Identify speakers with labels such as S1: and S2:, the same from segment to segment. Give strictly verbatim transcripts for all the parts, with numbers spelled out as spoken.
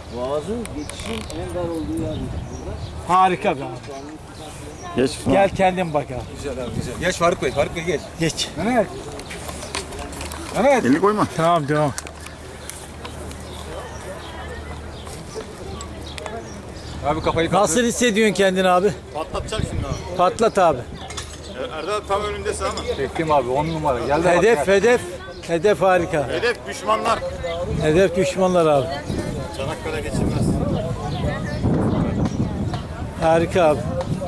S1: Boğazın geçişin en dar olduğu yer burada.
S2: Harika be abi.
S3: Geç.
S2: Gel kendin bak abi.
S4: Güzel abi güzel. Geç Faruk Bey, Faruk Bey geç.
S2: Geç.
S4: Mehmet. Mehmet.
S3: Elini koyma.
S2: Tamam devam.
S4: Abi kafayı kaldır.
S2: Nasıl hissediyorsun kendini abi?
S3: Patlatacak şimdi abi.
S2: Patlat abi.
S3: Erdal tam önündesin ama.
S4: Çektim abi on numara. Gel de bak,
S2: Hedef
S4: gel.
S2: hedef. Hedef harika.
S3: Hedef düşmanlar.
S2: Hedef düşmanlar abi.
S3: Çanakkale geçilmez.
S2: Harika abi.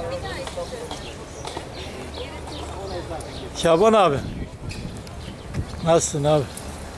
S2: Şaban abi. Nasılsın abi?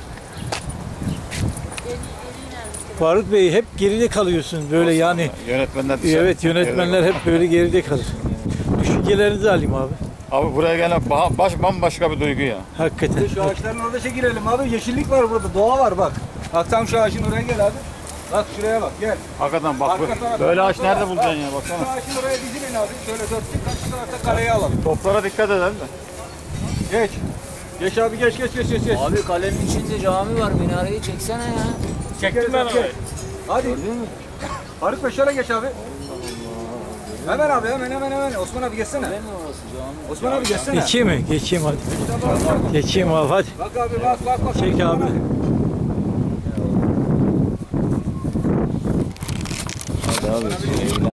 S2: Faruk Bey hep geride kalıyorsun böyle yani.
S3: Yönetmenler dışarı.
S2: Evet yönetmenler hep böyle geride kalır. Düşüncelerinizi alayım abi.
S3: Abi buraya gelen ba- baş bambaşka bir duygu ya.
S2: Hakikaten.
S4: Şu ağaçların orada çekilelim abi. Yeşillik var burada. Doğa var bak. Bak tam şu ağacın oraya gel abi. Bak şuraya bak gel.
S3: Hakikaten bak bu-
S4: Arka taraf-
S3: böyle ağaç nerede bulacaksın ya
S4: Şu
S3: baksana.
S4: ağacın oraya dizilin abi. Şöyle dörtlük karşı tarafta kareye alalım.
S3: Toplara dikkat edelim de.
S4: Geç. Geç abi geç geç geç geç. geç.
S1: Abi kalenin içinde cami var. Minareyi çeksene ya.
S4: Çektim ben abi. Hadi. Faruk Bey şöyle geç abi. Hemen abi hemen hemen hemen. Osman abi geçsene.
S1: Ne mi orası cami?
S4: Osman abi geçsene.
S2: Geçeyim mi? Geçeyim hadi. Geçeyim abi hadi.
S4: Bak abi bak bak bak.
S2: Çek abi.
S1: Hadi abi.